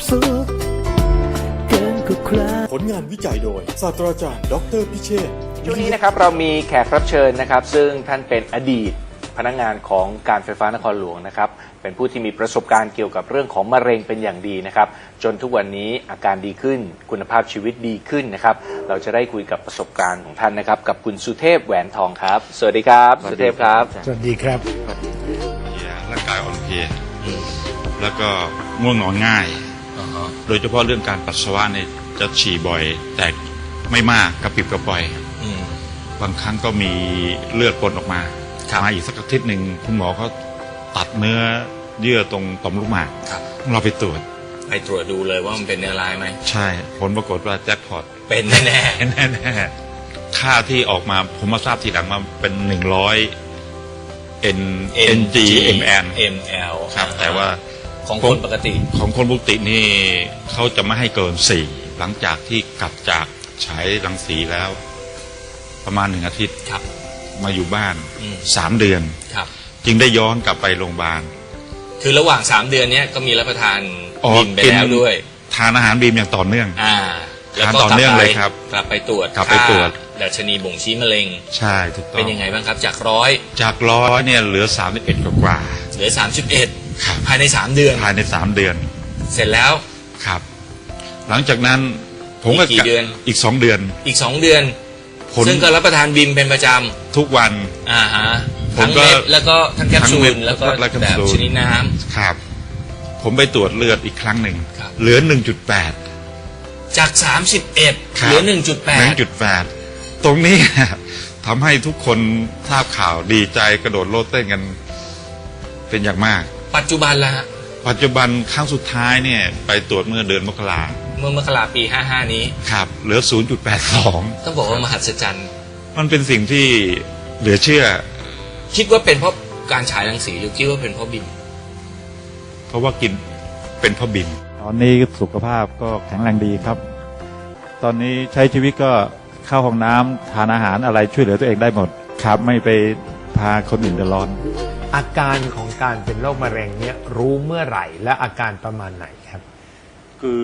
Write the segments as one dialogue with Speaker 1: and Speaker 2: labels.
Speaker 1: สุขเกินกว่าใคร
Speaker 2: ผลงานวิจัยโดยศาสตราจารย์ดรพิเชษฐ์
Speaker 3: ช่วงนี้นะครับเรามีแขกรับเชิญนะครับซึ่งท่านเป็นอดีตพนักงานของการไฟฟ้านครหลวงนะครับเป็นผู้ที่มีประสบการณ์เกี่ยวกับเรื่องของมะเร็งเป็นอย่างดีนะครับจนทุกวันนี้อาการดีขึ้นคุณภาพชีวิตดีขึ้นนะครับเราจะได้คุยกับประสบการณ์ของท่านนะครับกับคุณสุเทพแหวนทองครับสวัสดีครับสุเทพครับ
Speaker 4: สวัสดีครับ
Speaker 5: ร่างกายอ่อนเพลียแล้วก็ง่วงนอนง่าย โดยเฉพาะเรื่องการปัสสาวะเนี่ยจะฉี่บ่อย แต่ไม่มากกระปิบกระปล่อยบางครั้งก็มีเลือดปนออกมามาอีกสักอาทิตย์หนึ่งคุณหมอเขาตัดเนื้อเยื่อตรงต่อมลูกหมากเราไปตรวจ
Speaker 3: ดูเลยว่ามันเป็นเนื้อร้ายไหม
Speaker 5: ใช่ผลปรากฏว่าแจ็คพอต
Speaker 3: เป็นแน่
Speaker 5: ๆค่าที่ออกมาผมมาทราบทีหลังมาเป็น100 ng ml ครับแต่ว่า
Speaker 3: ของคนปกติ
Speaker 5: นี่เขาจะไม่ให้เกิน4หลังจากที่กลับจากฉายรังสีแล้ว ประมาณ1 อาทิตย์มาอยู่บ้าน3 เดือนจึงได้ย้อนกลับไปโรงพยาบาล
Speaker 3: คือระหว่าง3 เดือนนี้ก็มีรับประทานบีมไปแล้วด้วย
Speaker 5: ทานอาหารบีมอย่างต่อเนื่อง
Speaker 3: ทานต่อเนื่อง
Speaker 5: เลยครับ
Speaker 3: กลับไปตรวจดัชนีบ่งชี้มะเร็ง
Speaker 5: ใช่ถูกต้อง
Speaker 3: เป็นยังไงบ้างครับจาก
Speaker 5: 100เนี่ยเหลือ31กว่า
Speaker 3: เหลือ31ภายใน3 เดือนเสร็จแล้ว
Speaker 5: ครับหลังจากนั้นผมก็
Speaker 3: กี่เดือน
Speaker 5: อีก2 เดือน
Speaker 3: ซึ่งก็รับประทานบีมเป็นประจำ
Speaker 5: ทุกวัน
Speaker 3: ทั้งเม็ดแล้วก็ทั้งแคปซูลแล้วก็แบบชนิดน้
Speaker 5: ำครับผมไปตรวจเลือดอีกครั้งหนึ่งเหลือ 1.8
Speaker 3: จาก31เหลือ 1.8
Speaker 5: ตรงนี้ทำให้ทุกคนทราบข่าวดีใจกระโดดโลดเต้นกันเป็นอย่างมาก
Speaker 3: ปัจจุบันละ
Speaker 5: ปัจจุบันครั้งสุดท้ายเนี่ยไปตรวจเมื่อเดือนมกรา
Speaker 3: ปี55นี้
Speaker 5: ครับเหลือ 0.82
Speaker 3: ต้องบอกว่ามหัศจรรย์
Speaker 5: มันเป็นสิ่งที่เหลือเชื่อ
Speaker 3: คิดว่าเป็นเพราะการฉายรังสีหรือคิดว่าเป็นเพราะบิม
Speaker 5: เพราะว่ากินเป็นเพราะบิม
Speaker 4: ตอนนี้สุขภาพก็แข็งแรงดีครับตอนนี้ใช้ชีวิตก็เข้าห้องน้ำทานอาหารอะไรช่วยเหลือตัวเองได้หมดครับไม่ไปพาคนอื่นเดือดร้อน
Speaker 6: อาการของการเป็นโรคมะเร็งเนี่ยรู้เมื่อไหร่และอาการประมาณไหนครับ
Speaker 4: คือ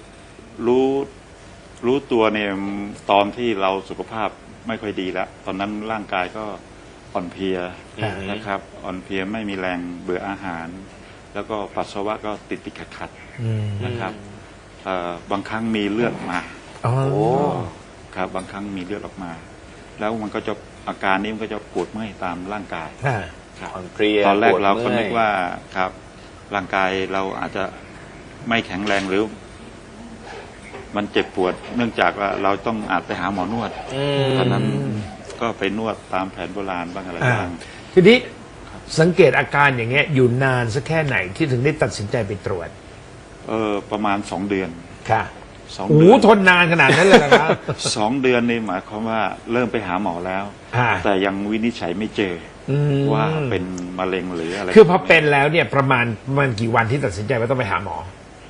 Speaker 4: รู้ตัวเนี่ยตอนที่เราสุขภาพไม่ค่อยดีแล้วตอนนั้นร่างกายก็อ่อนเพลียนะครับอ่อนเพลียไม่มีแรงเบื่ออาหารแล้วก็ปัสสาวะก็ติดขัดนะครับบางครั้งมีเลือดมาครับบางครั้งมีเลือดออกมาแล้วมันก็จะอาการนี้มันก็จะปวดเมื่อยตามร่างกาย
Speaker 3: อ่อนเพลีย
Speaker 4: ตอนแรกเราก็นึกว่าครับร่างกายเราอาจจะไม่แข็งแรงหรือมันเจ็บปวดเนื่องจากว่าเราต้องอาจไปหาหมอนวดตอนนั้นก็ไปนวดตามแผนโบราณบ้างอะไรบ้าง
Speaker 6: ทีนี้สังเกตอาการอย่างเงี้ยอยู่นานสักแค่ไหนที่ถึงได้ตัดสินใจไปตรวจ
Speaker 4: ประมาณ2 เดือน
Speaker 6: ค่ะ2 เดือนทนนานขนาดนั้นเลยนะครับ
Speaker 4: 2 เดือนนี่หมายความว่าเริ่มไปหาหมอแล้วแต่ยังวินิจฉัยไม่เจอว่าเป็นมะเร็งหรืออะไร
Speaker 6: คือพอเป็นแล้วเนี่ยประมาณกี่วันที่ตัดสินใจว่าต้องไปหาหมอ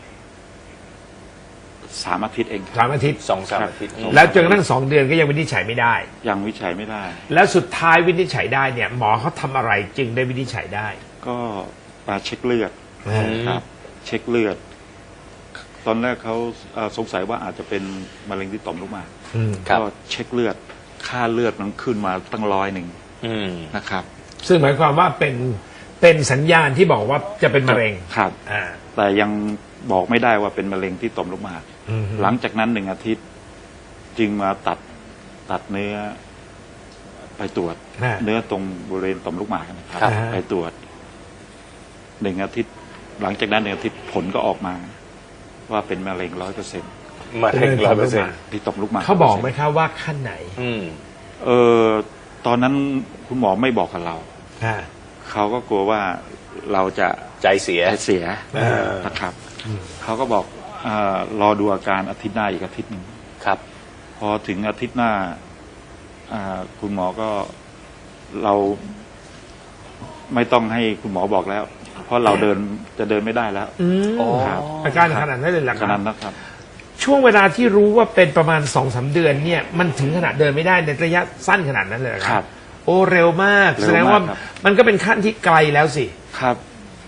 Speaker 4: 3 อาทิตย์เอง
Speaker 6: 3 อาทิตย์
Speaker 3: 2-3 อาทิตย์
Speaker 6: แล้วจนกระทั่ง2 เดือนก็ยังวินิจฉัยไม่ได้
Speaker 4: ยังวินิจฉัยไม่ได้
Speaker 6: แล้วสุดท้ายวินิจฉัยได้เนี่ยหมอเขาทำอะไรจึงได้วินิจฉัยได้
Speaker 4: ก็มาเช็คเลือดครับเช็คเลือดตอนแรกเขาสงสัยว่าอาจจะเป็นมะเร็งที่ต่อมลูกหมากก็เช็คเลือดค่าเลือดมันขึ้นมาตั้ง100นะครับ
Speaker 6: ซึ่งหมายความว่าเป็นสัญญาณที่บอกว่าจะเป็นมะเร็ง
Speaker 4: ครับแต่ยังบอกไม่ได้ว่าเป็นมะเร็งที่ต่อมลูกหมากหลังจากนั้น1 อาทิตย์จึงมาตัดเนื้อไปตรวจเนื้อตรงบริเวณต่อมลูกหมากนะครับไปตรวจ1 อาทิตย์หลังจากนั้น1 อาทิตย์ผลก็ออกมาว่าเป็นมะเร็ง100%
Speaker 3: มะเร็ง100%
Speaker 4: ที่ต่อมลูกหมาก
Speaker 6: เขาบอกไหมครับว่าขั้นไหน
Speaker 4: ตอนนั้นคุณหมอไม่บอกกับเราเขาก็กลัวว่าเราจะ
Speaker 3: ใจเสีย
Speaker 4: นะครับเขาก็บอกรอดูอาการอาทิตย์หน้าอีกอาทิตย์หนึ่ง
Speaker 3: ครับ
Speaker 4: พอถึงอาทิตย์หน้าคุณหมอก็เราไม่ต้องให้คุณหมอบอกแล้วเพราะเราจะเดินไม่ได้แล้ว
Speaker 6: อาการขนาดนั้นเลยหรือ
Speaker 4: ขนาดนั้นครับ
Speaker 6: ช่วงเวลาที่รู้ว่าเป็นประมาณ2-3 เดือนเนี่ยมันถึงขนาดเดินไม่ได้ในระยะสั้นขนาดนั้นเลยครับโอ้เร็วมากแสดงว่ามันก็เป็นขั้นที่ไกลแล้วสิ
Speaker 4: ครับ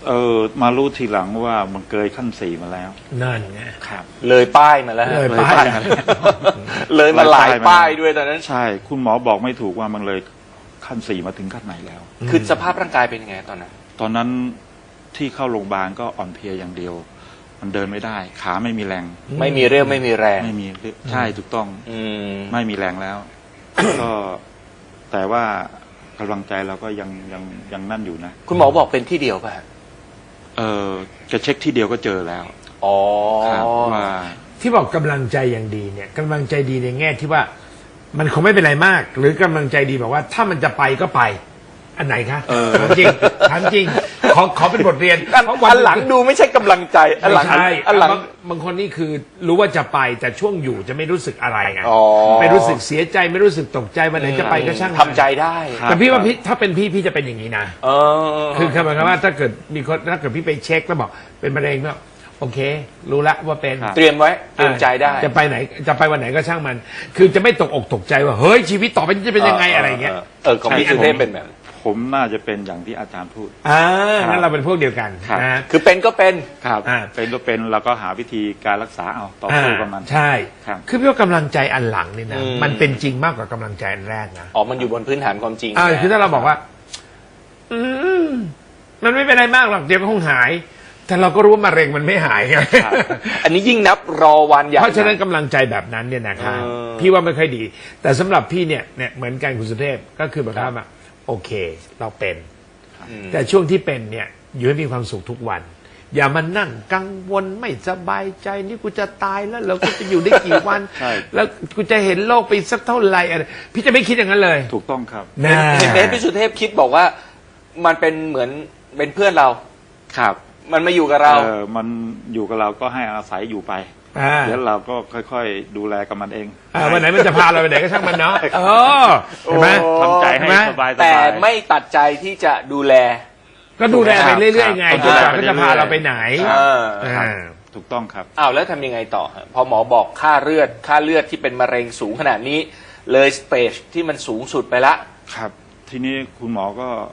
Speaker 4: มารู้ทีหลังว่ามันเกินขั้น 4มาแล้ว
Speaker 6: นั่นไง
Speaker 4: ครับ
Speaker 3: เลยป้ายมาแล้วฮะ
Speaker 6: เลยป้าย
Speaker 3: เลยมาหลายป้ายด้วยตอนนั้น
Speaker 4: ใช่ คุณหมอบอกไม่ถูกว่ามันเลยขั้น 4มาถึงขั้นไหนแล้ว
Speaker 3: คือสภาพร่างกายเป็นยังไงตอนนั้น
Speaker 4: ตอนนั้นที่เข้าโรงพยาบาลก็อ่อนเพลียอย่างเดียว มันเดินไม่ได้ ขาไม่มีแรง
Speaker 3: ไม่มีเรี่ยวไม่มีแรง
Speaker 4: ไม่มีใช่ถูกต้อง
Speaker 3: อืม
Speaker 4: ไม่มีแรงแล้ว ก็แต่ว่ากำลังใจเราก็ยังนั่นอยู่นะ
Speaker 3: คุณหมอบอกเป็นที่เดียวป่ะฮะ
Speaker 4: จะเช็คที่เดียวก็เจอแล้ว
Speaker 3: อ๋อ
Speaker 4: ครับว่า
Speaker 6: ที่บอกกำลังใจอย่างดีเนี่ยกำลังใจดีในแง่ที่ว่า มันคงไม่เป็นไรมาก หรือกำลังใจดีบอกว่า ถ้ามันจะไปก็ไป อันไหนคะถามจริงถามจริงขอเป็นบทเรียน
Speaker 3: อันหลังดูไม่ใช่กำลังใจอันหลัง
Speaker 6: ไม่ใช่
Speaker 3: อันหลัง
Speaker 6: บางคนนี่คือรู้ว่าจะไปแต่ช่วงอยู่จะไม่รู้สึกอะไรไง
Speaker 3: อ๋อ
Speaker 6: ไม่รู้สึกเสียใจไม่รู้สึกตกใจวันไหนจะไปก็ช่างมัน
Speaker 3: ทำใจได้
Speaker 4: ครับ
Speaker 6: แต่พี่ว่าพี่ถ้าเป็นพี่จะเป็นอย่างนี้นะ
Speaker 3: เออ
Speaker 6: คือหมายความว่าถ้าเกิดมีคนถ้าเกิดพี่ไปเช็คแล้วบอกเป็นมะเร็งก็โอเค รู้ละว่าเป็น
Speaker 4: ครับ
Speaker 3: เตรียมไว้เตรียมใจได้
Speaker 6: จะไปไหนจะไปวันไหนก็ช่างมัน คือจะไม่ตกอกตกใจว่าเฮ้ยชีวิตต่อไปจะเป็นยังไงอะไรอย่างเงี้ย
Speaker 3: ของพี่สุเทพเป็นแบบ
Speaker 4: ผมน่าจะเป็นอย่างที่อาจารย์พูด
Speaker 6: งั้นเราเป็นพวกเดียวกัน
Speaker 4: ครับ
Speaker 6: นะ
Speaker 3: คือเป็นก็เป็น
Speaker 4: ครับ
Speaker 6: อ่า
Speaker 4: เป็นก็เป็นเราก็หาวิธีการรักษาเอาต่อสู้กับมัน
Speaker 6: ใช่
Speaker 4: ครับ
Speaker 6: คือพี่ว่ากำลังใจอันหลังนี่นะ
Speaker 3: อืม
Speaker 6: มันเป็นจริงมากกว่ากำลังใจอันแรกนะ
Speaker 3: อ๋อมันอยู่บนพื้นฐานความจริง
Speaker 6: คือถ้าเราบอกว่า อืมมันไม่เป็นไรมากหรอกเดี๋ยวก็คงหาย แต่เราก็รู้ว่ามะเร็งมันไม่หายไง
Speaker 3: ครับอันนี้ยิ่งนับรอวันใหญ่
Speaker 6: เพราะฉะนั้นกำลังใจแบบนั้นเนี่ยนะครับ
Speaker 3: เออ
Speaker 6: พี่ว่าไม่ค่อยดี แต่สำหรับพี่เนี่ยเหมือนกันคุณสุเทพก็คือแบบว่าโอเค เราเป็น
Speaker 3: อืม
Speaker 6: แต่ช่วงที่เป็นเนี่ยอยู่ให้มีความสุขทุกวัน อย่ามานั่งกังวลไม่สบายใจนี่กูจะตายแล้วเราก็จะอยู่ได้กี่วัน
Speaker 4: ใช่
Speaker 6: แล้วกูจะเห็นโลกไปสักเท่าไหร่อะไรพี่จะไม่คิดอย่างนั้นเลย
Speaker 4: ถูกต้องครับ
Speaker 6: นะ
Speaker 3: เห็นไหมพี่สุเทพคิดบอกว่า มันเป็นเหมือนเป็นเพื่อนเรา
Speaker 4: ครับ
Speaker 3: มันมาอยู่กับเรา
Speaker 4: มันอยู่กับเราก็ให้อาศัยอยู่ไป
Speaker 6: อ่า
Speaker 4: เดี๋ยวเราก็ค่อยๆ ดูแลกับมันเอง
Speaker 6: วันไหนมันจะพาเราไปไหนก็ช่างมันเนาะเห็นไหม
Speaker 4: ทำใจให้
Speaker 6: เห็นไหม
Speaker 4: สบายๆ
Speaker 3: แต่ไม่ตัดใจที่จะดูแล
Speaker 6: ก็ดูแลไปเรื่อยๆไง
Speaker 4: ครับ
Speaker 6: จนกว่า
Speaker 4: ดูแลไป
Speaker 6: ก็จะพาเราไปไหน
Speaker 3: เออ
Speaker 4: ครับ
Speaker 6: อ่า
Speaker 4: ถูกต้องครับ
Speaker 3: อ้าวแล้วทำยังไงต่อฮะพอหมอบอกค่าเลือดที่เป็นมะเร็งสูงขนาดนี้ เลยสเตจที่มันสูงสุดไปละ
Speaker 4: ครับ ทีนี้คุณหมอ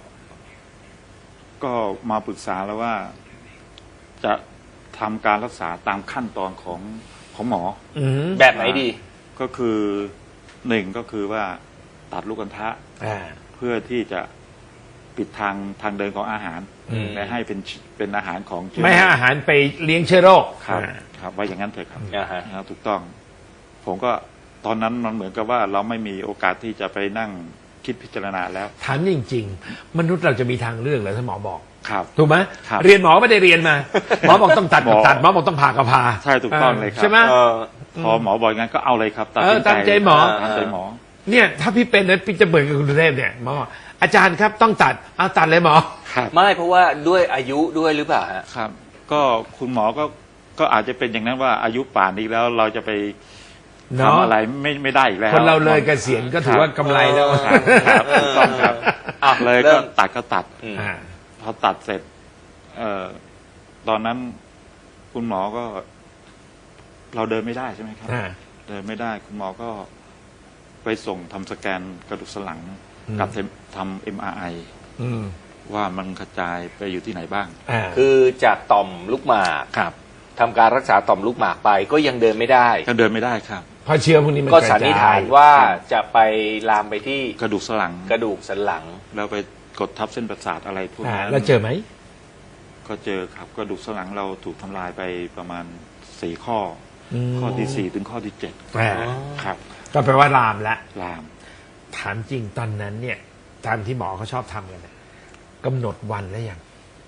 Speaker 4: ก็มาปรึกษาแล้วว่า จะทำการรักษาตามขั้นตอนของหมอ
Speaker 3: แบบไหนดี
Speaker 4: ก็คือหนึ่งก็คือว่าตัดลูกอัณฑะ เพื่อที่จะปิดทางเดินของอาหาร
Speaker 3: อืม
Speaker 4: และให้เป็นอาหารของเชื้อ
Speaker 6: ไม่ให้อาหารไปเลี้ยงเชื้อโรค
Speaker 4: ครับครับว่าอย่างนั้นเถอะครับ
Speaker 3: อ่าฮะ
Speaker 4: นะครับถูกต้อง ผมก็ตอนนั้นมันเหมือนกับว่าเราไม่มีโอกาสที่จะไปนั่งคิดพิจารณาแล้ว
Speaker 6: ถามจริงๆ มนุษย์เราจะมีทางเลือกเหรอถ้าหมอบอก
Speaker 4: ครับ
Speaker 6: ถูกไหม
Speaker 4: ครับ
Speaker 6: เรียนหมอไม่ได้เรียนมา หมอบอกต้องตัดก็ตัดหมอบอกต้องผ่าก็ผ่า
Speaker 4: ใช่ถูกต้องเลยครับ
Speaker 6: ใช่ไหม
Speaker 3: เออ
Speaker 4: พอหมอบอกอย่างนั้นก็เอาเลยครับตัดสิน
Speaker 6: ตามใจหมอ
Speaker 4: ตามใจหมอ
Speaker 6: เนี่ยถ้าพี่เป็นนะพี่จะเหมือนกับคุณสุเทพเนี่ยหมอบอกอาจารย์ครับต้องตัดเอาตัดเลยหมอ
Speaker 4: ครับ
Speaker 3: ไม่เพราะว่าด้วยอายุด้วยหรือเปล่าฮะ
Speaker 4: ครับ ก็คุณหมอก็อาจจะเป็นอย่างนั้นว่าอายุป่านนี้แล้วเราจะไป
Speaker 6: เนาะ
Speaker 4: ทำอะไรไม่ได้อีกแล้ว
Speaker 6: คนเราเลยเกษียณก็ถือว่ากำไรแล้ว
Speaker 4: ครับครับถูกต้องครับ
Speaker 3: อ่ะ
Speaker 4: เลย
Speaker 3: เริ่
Speaker 4: ก็
Speaker 3: ม
Speaker 4: ตัดก็ตัด
Speaker 3: อืม
Speaker 6: อ่า
Speaker 4: พอตัดเสร็จ ตอนนั้นคุณหมอก็ เราเดินไม่ได้ใช่ไหมครับ
Speaker 6: อ่า
Speaker 4: เดินไม่ได้ คุณหมอก็ไปส่งทำสแกนกระดูกสันหลัง
Speaker 6: อืม
Speaker 4: กับทำ MRI
Speaker 6: อืม
Speaker 4: ว่ามันกระจายไปอยู่ที่ไหนบ้าง
Speaker 6: อ่า
Speaker 3: คือจากต่อมลูกหมาก
Speaker 4: ครับ
Speaker 3: ทำการรักษาต่อมลูกหมากไปก็ยังเดินไม่ได้
Speaker 4: ก็เดินไม่ได้ครับ
Speaker 6: เพราะเชื้อพวกนี้มัน
Speaker 3: ก็
Speaker 6: ระจย
Speaker 3: สันนิษฐานว่าจะไปลามไปที่
Speaker 4: กระดูกสันหลัง
Speaker 3: กระดูกสันหลัง
Speaker 4: แล้วไปกดทับเส้นประสาทอะไรพวก
Speaker 6: อ่า
Speaker 4: นั้น
Speaker 6: แล้วเจอไหม
Speaker 4: ก็เจอครับกระดูกสันหลังเราถูกทำลายไปประมาณ4 ข้ออข้อที่ 4 ถึงข้อที่
Speaker 6: อ่า
Speaker 4: 7 ครับ
Speaker 6: ก็แปลว่าลามแล้ว
Speaker 4: ลาม
Speaker 6: ถามจริงตอนนั้นเนี่ยตามที่หมอเขาชอบทำกันเนี่ยกำหนดวันแล้วยัง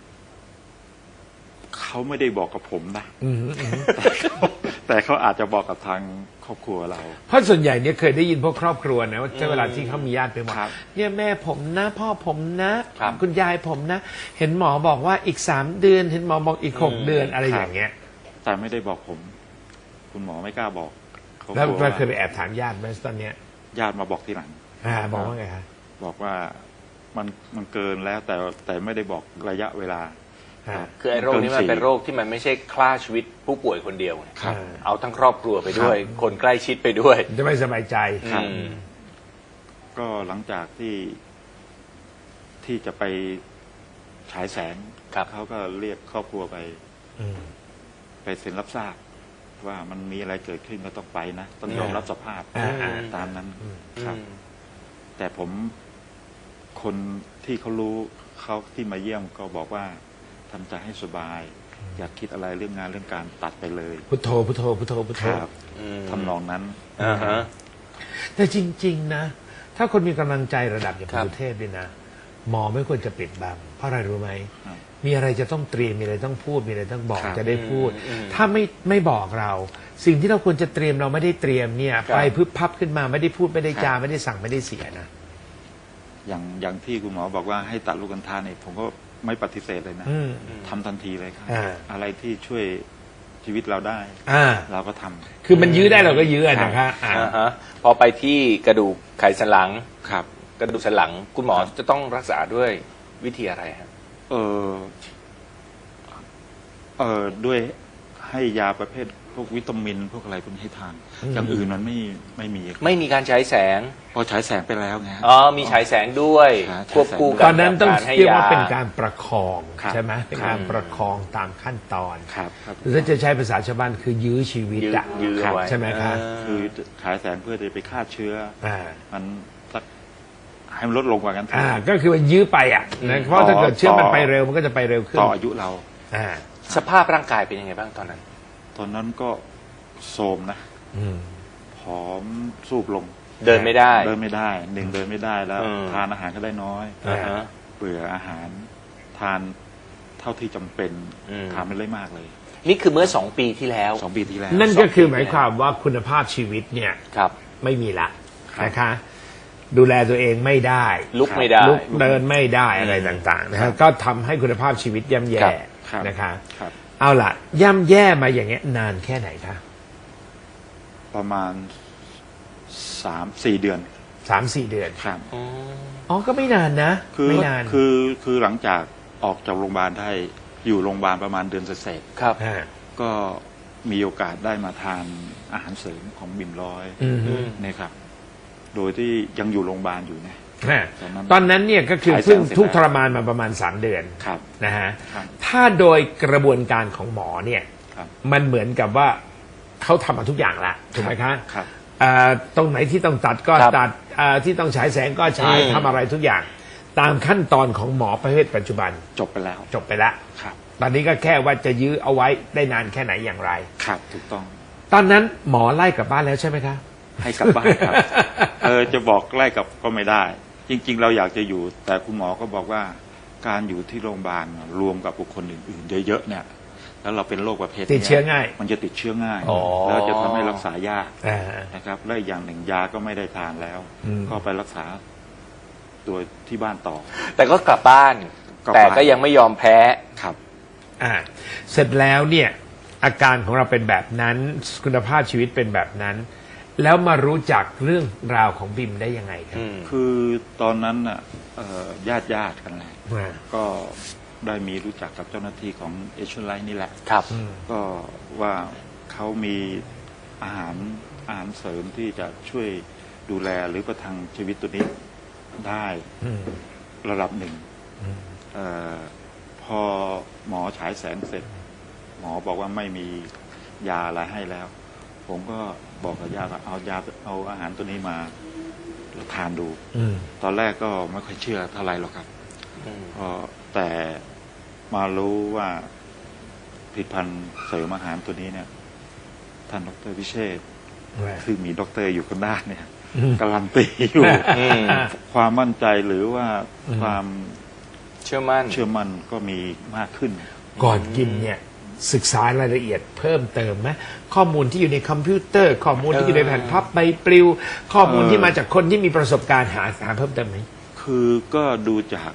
Speaker 4: เขาไม่ได้บอกกับผมนะ
Speaker 6: อืมอืม
Speaker 4: แต่เขาอาจจะบอกกับทางครอบครัวเรา
Speaker 6: เพราะส่วนใหญ่เนี่ยเคยได้ยินพวกครอบครัวนะว่าเวลาที่เขามีญาติไปบอก
Speaker 4: ครับ
Speaker 6: เนี่ยแม่ผมนะ พ่อผมนะครับ คุณยายผมนะ เห็นหมอบอกว่าอีก3 เดือน เห็นหมอบอกอีก6 เดือนอะไรอย่างเงี้ย
Speaker 4: แต่ไม่ได้บอกผม คุณหมอไม่กล้าบอกเขา
Speaker 6: แล้ว
Speaker 4: กลัว
Speaker 6: เราเคยไป
Speaker 4: ว่า
Speaker 6: แอบถามญาติไหมตอนเนี้ย
Speaker 4: ญาติมาบอกทีหลัง
Speaker 6: บอกว่าไงคะ
Speaker 4: บอกว่ามันเกินแล้วแต่ไม่ได้บอกระยะเวลา
Speaker 3: คือไอ้โรคนี้มันเป็นโรคที่มันไม่ใช่ฆ่าชีวิตผู้ป่วยคนเดียว
Speaker 4: ครับ
Speaker 3: เอาทั้งครอบครัวไปด้วย คนใกล้ชิดไปด้วย
Speaker 6: จะไม่สบายใจ
Speaker 4: ครับ
Speaker 3: อืม
Speaker 4: ก็หลังจากที่จะไปฉายแสง
Speaker 3: ครับ
Speaker 4: เขาก็เรียกครอบครัวไป
Speaker 6: อืม
Speaker 4: ไปเซ็นรับทราบว่ามันมีอะไรเกิดขึ้นก็ต้องไปนะ ต้องยอมรับสภาพ
Speaker 6: อ่า
Speaker 4: ตามนั้น
Speaker 6: อืม
Speaker 4: ครับ
Speaker 3: อืม
Speaker 4: แต่ผมคนที่เขารู้เขาที่มาเยี่ยมก็บอกว่าทำใจให้สบาย อยากคิดอะไรเรื่องงานเรื่องการตัดไปเลย
Speaker 6: พุทโธพุทโธพุทโธพุทโธ
Speaker 4: ครับ
Speaker 3: อืม
Speaker 4: ทำนองนั้น
Speaker 3: อ่าฮะ
Speaker 6: แต่จริง ๆ นะ ถ้าคนมีกำลังใจระดับอย่าง
Speaker 3: ครับ
Speaker 6: คุณสุเทพนี่นะ หมอไม่ควรจะปิดบัง เพราะอะไรรู้ไหม
Speaker 4: ครับ
Speaker 6: มีอะไรจะต้องเตรียม มีอะไรต้องพูด มีอะไรต้องบอก
Speaker 4: ครับ
Speaker 6: จะได้พูด
Speaker 3: อืม
Speaker 6: ถ้าไม่บอกเรา สิ่งที่เราควรจะเตรียมเราไม่ได้เตรียมเนี่ย
Speaker 3: ครับ
Speaker 6: ไปพึบพับขึ้นมาไม่ได้พูดไม่ได้จาไม่ได้สั่งไม่ได้เสียนะ
Speaker 4: อย่างที่คุณหมอบอกว่าให้ตัดลูกกัญชาเนี่ยผมก็ไม่ปฏิเสธเลยนะ
Speaker 6: อืม
Speaker 4: ทำทันทีเลยครับ
Speaker 6: อ่า
Speaker 4: อะไรที่ช่วยชีวิตเราได้
Speaker 6: อ่า
Speaker 4: เราก็ทำ
Speaker 6: คือมันยื้อได้เราก็ยื้ออะนะคะอ่า
Speaker 3: อ่าฮะพอไปที่กระดูกไขสันหลัง
Speaker 4: ครับ
Speaker 3: กระดูกสันหลัง คุณหมอจะต้องรักษาด้วยวิธีอะไรฮะ
Speaker 4: ด้วยให้ยาประเภทพวกวิตามินพวกอะไรพวกนี้ให้ทาน อย่างอื่นมันไม่มี
Speaker 3: ไม่มีการใช้แสง
Speaker 4: พอฉายแสงไปแล้วไงฮะ
Speaker 3: อ๋อ มีฉายแสงด้วย
Speaker 4: ครับ
Speaker 3: ควบคู่
Speaker 6: ต
Speaker 3: กั
Speaker 6: อนนั้นต้อง
Speaker 3: ให้
Speaker 6: เรียก
Speaker 3: ยา
Speaker 6: ว่าเป็นการประคอง
Speaker 4: ครับ
Speaker 6: ใช่ไหมเป็นการประคองตามขั้นตอน
Speaker 4: ครับครับ
Speaker 6: หรือถ้าจะใช้ภาษาชาวบ้านคือยื้อชีวิตอะ
Speaker 3: ยื้อไว้
Speaker 6: ใช่ไหมคะ
Speaker 4: คือฉายแสงเพื่อจะไปฆ่าเชื้อ
Speaker 6: อ่า
Speaker 4: มันสักให้มันลดลงกว่ากัน
Speaker 6: ก็คือมันยื้อไปอ่ะนะเพราะถ้าเกิดเชื้อมันไปเร็วมันก็จะไปเร็วขึ้น
Speaker 4: ต่ออายุเรา
Speaker 6: อ่า
Speaker 3: สภาพร่างกายเป็นยังไงบ้างตอนนั้น
Speaker 4: ตอนนั้นก็โทรมนะ
Speaker 6: อืม
Speaker 4: ผอมสูบลง
Speaker 3: เดินไม่ได้
Speaker 4: เดินไม่ได้เดินไม่ได้แล้ว
Speaker 3: อืม
Speaker 4: ทานอาหารก็ได้น้อย
Speaker 3: อ่าฮะ
Speaker 4: เบื่ออาหารทานเท่าที่จำเป็น
Speaker 3: อืม
Speaker 4: ทานไม่ได้มากเลย
Speaker 3: นี่คือเมื่อ 2 ปีที่แล้ว
Speaker 4: 2 ปีที่แล้ว
Speaker 6: นั่นก็คือหมายความว่าคุณภาพชีวิตเนี่ย
Speaker 3: ครับ
Speaker 6: ไม่มีละ
Speaker 4: ครับ
Speaker 6: นะคะ ดูแลตัวเองไม่ได้
Speaker 3: ลุกไม่ได้
Speaker 6: ลุกเดินไม่ได้อะไรต่างๆนะฮะก็ทำให้คุณภาพชีวิตย่ำแย่
Speaker 4: ครับ
Speaker 6: นะคะ
Speaker 4: ครับ
Speaker 6: เอาล่ะ ย่ำแย่มาอย่างเงี้ยนานแค่ไหนคะ
Speaker 4: ประมาณ 3-4 เดือน
Speaker 6: 3-4 เดือน
Speaker 4: ครับ
Speaker 6: อ๋อก็ไม่นานนะ ไม่นาน
Speaker 4: คือหลังจากออกจากโรงพยาบาลได้อยู่โรงพยาบาลประมาณเดือนเศษ
Speaker 3: ครับ
Speaker 6: อ่า
Speaker 4: ๆก็มีโอกาสได้มาทานอาหารเสริมของบิ่มร้อย
Speaker 6: อืม
Speaker 4: เนี่ยครับ โดยที่ยังอยู่โรงพยาบาลอยู่นะ
Speaker 6: อ่า
Speaker 4: ตอนนั้น
Speaker 6: ตอนนั้นเนี่ยก็คือ
Speaker 4: ฉายแสง
Speaker 6: เพิ่ง
Speaker 4: เสร็จ
Speaker 6: ทุกข์
Speaker 4: แล้ว
Speaker 6: ทรมานมาประมาณ 3 เดือน
Speaker 4: ครับ
Speaker 6: นะฮะ
Speaker 4: ครับ
Speaker 6: ถ้าโดยกระบวนการของหมอเนี่ย
Speaker 4: ครับ
Speaker 6: มันเหมือนกับว่าเขาทำมาทุกอย่างละถูกไหมคะ
Speaker 4: ครับ
Speaker 6: ตรงไหนที่ต้องตัดก็
Speaker 3: ครับ
Speaker 6: ตัดที่ต้องฉายแสงก็ฉาย
Speaker 3: อืม
Speaker 6: ทำอะไรทุกอย่าง ตามขั้นตอนของหมอประเภทปัจจุบัน
Speaker 4: จบไปแล้ว
Speaker 6: จบไปแล้ว
Speaker 4: ครับ
Speaker 6: ตอนนี้ก็แค่ว่าจะยื้อเอาไว้ได้นานแค่ไหนอย่างไร
Speaker 4: ครับถูกต้อง
Speaker 6: ตอนนั้นหมอไล่กลับบ้านแล้วใช่ไหมคะ
Speaker 4: ให้กลับบ้านครับ จะบอกไล่กลับก็ไม่ได้ จริง ๆ เราอยากจะอยู่ แต่คุณหมอก็บอกว่าการอยู่ที่โรงพยาบาลรวมกับบุคคลอื่นๆเยอะๆเนี่ย แล้วเราเป็นโรคประเภทนี้
Speaker 6: ติดเชื้อง่าย
Speaker 4: มันจะติดเชื้อง่าย
Speaker 3: อ๋อ
Speaker 4: แล้วจะทำให้รักษายาก
Speaker 6: อ่า
Speaker 4: นะครับและอีกอย่างหนึ่งยาก็ไม่ได้ทานแล้ว
Speaker 6: อืม
Speaker 4: ก็ไปรักษาตัวที่บ้านต่อ
Speaker 3: แต่ก็กลับบ้าน
Speaker 4: กลับ
Speaker 3: แต่
Speaker 4: บ้าน
Speaker 3: ก็ยังไม่ยอมแพ้
Speaker 4: ครับ
Speaker 6: เสร็จแล้วเนี่ยอาการของเราเป็นแบบนั้นคุณภาพชีวิตเป็นแบบนั้น แล้วมารู้จักเรื่องราวของบิมได้ยังไงครับ
Speaker 4: คือตอนนั้นน่ะญาติกันแหละ
Speaker 6: อ่า
Speaker 4: ก็ได้มีรู้จักกับเจ้าหน้าที่ของเอชไลท์นี่แหละ
Speaker 3: ครับ
Speaker 4: ก็ว่าเขามีอาหารเสริมที่จะช่วยดูแลหรือประทังชีวิตตัวนี้ได้
Speaker 6: อืม
Speaker 4: ระดับหนึ่ง
Speaker 6: อืม
Speaker 4: พอหมอฉายแสงเสร็จ หมอบอกว่าไม่มียาอะไรให้แล้ว ผมก็บอกกับญาติว่าเอาอาหารตัวนี้มาทานดู
Speaker 6: อืม
Speaker 4: ตอนแรกก็ไม่ค่อยเชื่อเท่าไหร่หรอกครับแต่มารู้ว่าผลิตภัณฑ์เสริมอาหารตัวนี้เนี่ย ท่านดร.พิเชษฐ์ซึ่งมีด็อกเตอร์อยู่คนด้านเนี่ยการันตีอยู่ ความมั่นใจหรือว่าความ
Speaker 3: เชื่อมั่น
Speaker 4: เชื่อมั่นก็มีมากขึ้น
Speaker 6: ก่อนกินเนี่ยศึกษารายละเอียดเพิ่มเติมไหมข้อมูลที่อยู่ในคอมพิวเตอร์ ข้อมูลที่อยู่ในแผ่นพับใบปลิว ข้อมูลที่มาจากคนที่มีประสบการณ์หาเพิ่มเติมไหม
Speaker 4: คือก็ดูจาก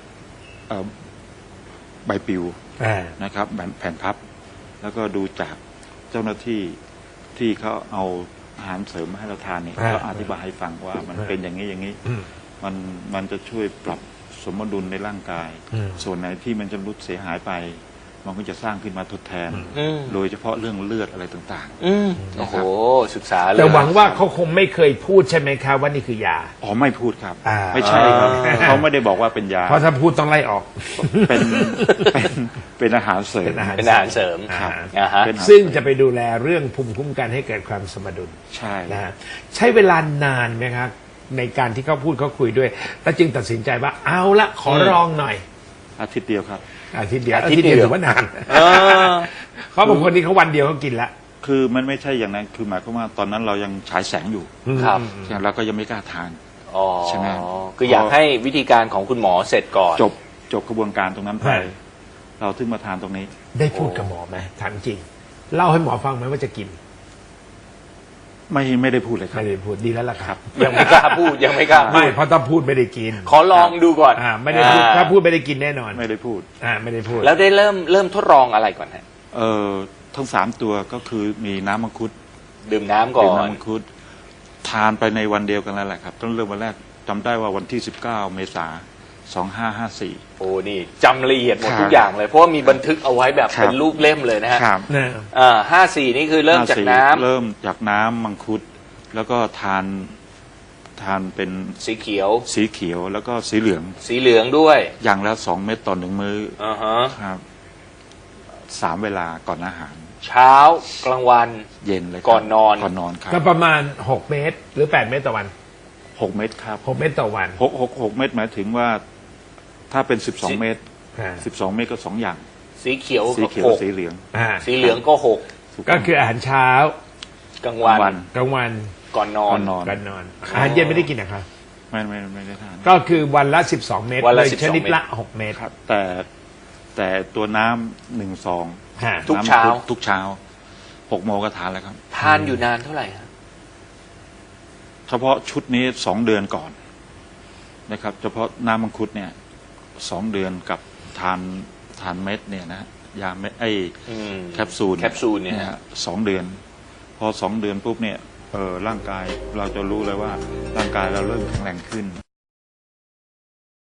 Speaker 4: ใบปลิว
Speaker 6: อ่า
Speaker 4: นะครับแผ่นพับ แล้วก็ดูจากเจ้าหน้าที่ที่เขาเอาอาหารเสริมมาให้เราทานเนี่ยเขาอธิบายให้ฟังว่ามันเป็นอย่างนี้อย่างนี้
Speaker 6: อืม
Speaker 4: มันจะช่วยปรับสมดุลในร่างกาย
Speaker 6: อืม
Speaker 4: ส่วนไหนที่มันจะรุดเสียหายไปมันก็จะสร้างขึ้นมาทดแทน
Speaker 3: อืม
Speaker 4: โดยเฉพาะเรื่องเลือดอะไรต่าง
Speaker 3: โอ้โหศึกษาเลย
Speaker 6: แต่หวังว่าเขาคงไม่เคยพูดใช่ไหมครับว่านี่คือยา
Speaker 4: ๆอ๋อไม่พูดครับ
Speaker 6: อ่า
Speaker 4: ไม่ใช่ครับ
Speaker 6: อ่า
Speaker 4: เขาไม่ได้บอกว่าเป็นยา
Speaker 6: เพราะถ้าพูดต้องไล่ออก
Speaker 4: เป็นเป็นอาหารเสริม
Speaker 6: เป็นอาหาร
Speaker 3: เป็นอาหารเสริม
Speaker 6: ครับ
Speaker 3: อ่าฮะ
Speaker 4: เป็นอาหาร
Speaker 6: ซึ่งจะไปดูแลเรื่องภูมิคุ้มกันให้เกิดความสมดุล
Speaker 4: ใช่
Speaker 6: นะฮะใช้เวลานานไหมครับในการที่เขาพูดเขาคุยด้วยแล้วจึงตัดสินใจว่าเอาละขอลองหน่อย
Speaker 4: อาทิตย์เดียวครับ
Speaker 6: อาทิตย์เดียว
Speaker 3: อาทิตย์เดียว
Speaker 6: ถือว่านาน
Speaker 3: เออ
Speaker 6: เขาบางคนที่เขาวันเดียวเขากินละ
Speaker 4: คือมันไม่ใช่อย่างนั้นคือหมายความว่าตอนนั้นเรายังฉายแสงอยู่
Speaker 3: ครับ
Speaker 4: ฉะนั้นเราก็ยังไม่กล้าทาน
Speaker 3: อ๋อ
Speaker 4: ใช่ไหม
Speaker 3: คืออยากให้วิธีการของคุณหมอเสร็จก่อน
Speaker 4: จบกระบวนการตรงนั้นไป
Speaker 6: ใช่
Speaker 4: เราถึงมาทานตรงนี้
Speaker 6: ได้พูดกับหมอไหมถามจริง เล่าให้หมอฟังไหมว่าจะกิน
Speaker 4: ไม่ได้พูดเลยครับ
Speaker 6: ไม่ได้พูดดีแล้วล่ะครับ
Speaker 3: ยังไม่กล้าพูดยังไม่กล้าพู
Speaker 6: ไม่
Speaker 3: ด
Speaker 6: เพราะถ้าพูดไม่ได้กิน
Speaker 3: ขอลองดูก่อน
Speaker 6: ไม่ได้พูดถ้าพูดไม่ได้กินแน่นอน
Speaker 4: ไม่ได้พูด
Speaker 6: ไม่ได้พูด
Speaker 3: แล้วได้เริ่มทดลองอะไรก่อนฮะ
Speaker 4: ทั้งสามตัวก็คือมีน้ำมังคุด
Speaker 3: ดื่มน้ำก่อ
Speaker 4: ดื่ม
Speaker 3: น
Speaker 4: น้ำมังคุดทานไปในวันเดียวกันแล้วแหละครับต้นเริ่มวันแรกจำได้ว่าวันที่ 19 เมษายน 2554
Speaker 3: โอ้นี่จำละเอียดหมด
Speaker 4: ครับ
Speaker 3: ทุกอย่างเลย เพราะว่ามีบันทึกเอาไว้แบบ
Speaker 4: ครับ
Speaker 3: เป็นรูปเล่มเลยนะฮะ
Speaker 4: ครับ
Speaker 6: นะ
Speaker 3: 54 นี่คือเริ่มจากน้ำ
Speaker 4: เริ่มจากน้ำมังคุด แล้วก็ทานเป็น
Speaker 3: สีเขียว
Speaker 4: สีเขียวแล้วก็สีเหลือง
Speaker 3: สีเหลืองด้วย
Speaker 4: อย่างละ2 เม็ดต่อ1มื้อ
Speaker 3: อ่าฮะ
Speaker 4: ครับ3 เวลาก่อนอาหาร
Speaker 3: เช้ากลางวัน
Speaker 4: เย็นเลยครับ
Speaker 3: ก่อนนอน
Speaker 4: ก่อนนอนครับ
Speaker 6: ก็ประมาณ 6 เมตร หรือ 8 เมตรต่อวัน
Speaker 4: 6 เม็ดครับ
Speaker 6: 6 เมตรต่อวัน
Speaker 4: 6 เม็ดหมายถึงว่าถ้าเป็น
Speaker 3: สิ
Speaker 4: 12 เม็ด
Speaker 6: อ่า
Speaker 4: 12 เม็ดก็ 2 อย่าง
Speaker 3: สีเขียว
Speaker 4: สี
Speaker 3: ก็
Speaker 4: เขียว
Speaker 3: หก
Speaker 4: สีเหลือง
Speaker 3: สีเหลืองก็หก
Speaker 6: ก็คืออาหารเช้า
Speaker 3: กลางวัน
Speaker 4: วัน
Speaker 6: กลางวัน
Speaker 3: ก่อนนอ
Speaker 4: ก่อน นนอน
Speaker 6: ก่อนนอน อาหารเย็นไม่ได้กินนะครับ
Speaker 4: ไม่ได้ทาน
Speaker 6: ก็คือวันละ 12 เมตร
Speaker 3: วันละ
Speaker 6: โดย
Speaker 3: 12
Speaker 6: ชนิดละ 6 เมตร
Speaker 4: ครับแต่ตัวน้ำ1 ซอง
Speaker 6: ฮะ
Speaker 3: ทุกเช้า
Speaker 4: น้ำมังคุดทุกเช้า6 โมงก็ทานแล้วครับ
Speaker 3: ทานอยู่นานเท่าไหร่ฮะ
Speaker 4: เฉพาะชุดนี้2 เดือนก่อนนะครับเฉพาะน้ำมังคุดเนี่ย2 เดือนกับทานเม็ดเนี่ยนะยาเม็ดแคปซูล
Speaker 3: แคปซูลเนี่ย
Speaker 4: ฮะ2 เดือน พอ2 เดือนปุ๊บเนี่ยร่างกายเราจะรู้เลยว่าร่างกายเราเริ่มแข็งแรงขึ้น